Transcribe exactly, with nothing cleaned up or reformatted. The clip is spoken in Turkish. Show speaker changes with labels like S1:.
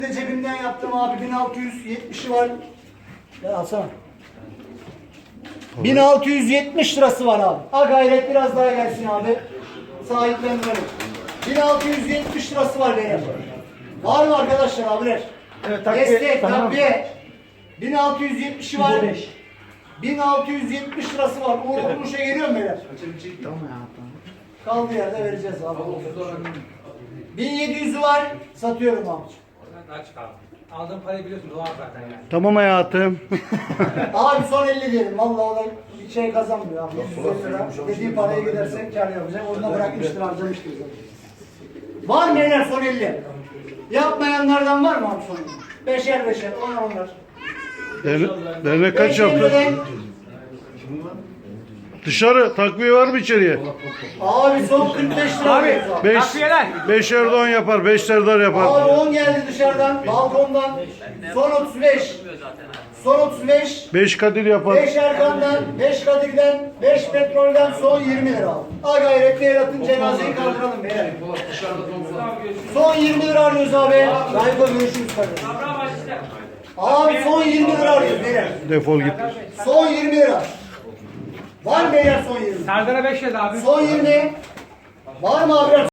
S1: Cebimden yaptım abi, bin altı yüz yetmişi var. Ya alsana. bin altı yüz yetmiş lirası var abi. Ha gayret biraz daha gelsin abi. Sahiplendirelim. bin altı yüz yetmiş lirası var benim. Var mı arkadaşlar abiler?
S2: Evet, takviye,
S1: Destek,
S2: tamam.
S1: takviye. bin altı yüz yetmişi var. bin altı yüz yetmiş lirası var. Uğur kuruşa geliyor mu beyler?
S2: Tamam ya.
S1: Kaldığı yerde vereceğiz abi. bin yedi yüzü var. Satıyorum abi.
S3: Açık abi. Aldığın parayı biliyorsun doğal zaten yani.
S4: Tamam hayatım.
S1: Abi son elli diyelim. Vallahi o da bir şey kazanmıyor abi. yüz elli lira. Dediği paraya gidersek kar yapacak. Onu da bırakmıştır, harcamıştır zaten. Var mı beyler son elli? Yapmayanlardan var mı abi son elli? Beşer beşer, onlar onlar.
S4: Derne- Dernek kaç
S1: Beş
S4: yaptı?
S1: elli'den
S4: Dışarı takviye var mı içeriye?
S1: Abi son kırk beş lira
S3: Abi,
S1: alıyoruz abi.
S4: Beş,
S3: Takviyeler.
S4: beş Erdoğan yapar, beş Serdar yapar.
S1: Abi on geldi dışarıdan, balkondan. Son otuz beş. Son otuz beş.
S4: Beş Kadir yapar.
S1: beş Erkan'dan, beş Kadir'den, beş Petrol'den son yirmi lira aldım. Ha gayret bir el atın, cenazeyi kaldıralım beyler. Son yirmi lira arıyoruz abi. Rayko görüşürüz kardeşim. Abi son yirmi lira arıyoruz beyler.
S4: Defol git.
S1: Son yirmi lira. Var mı beyler son yirmi?
S3: Serdar'a beş yedi abi.
S1: Son yirmi. Var mı abi?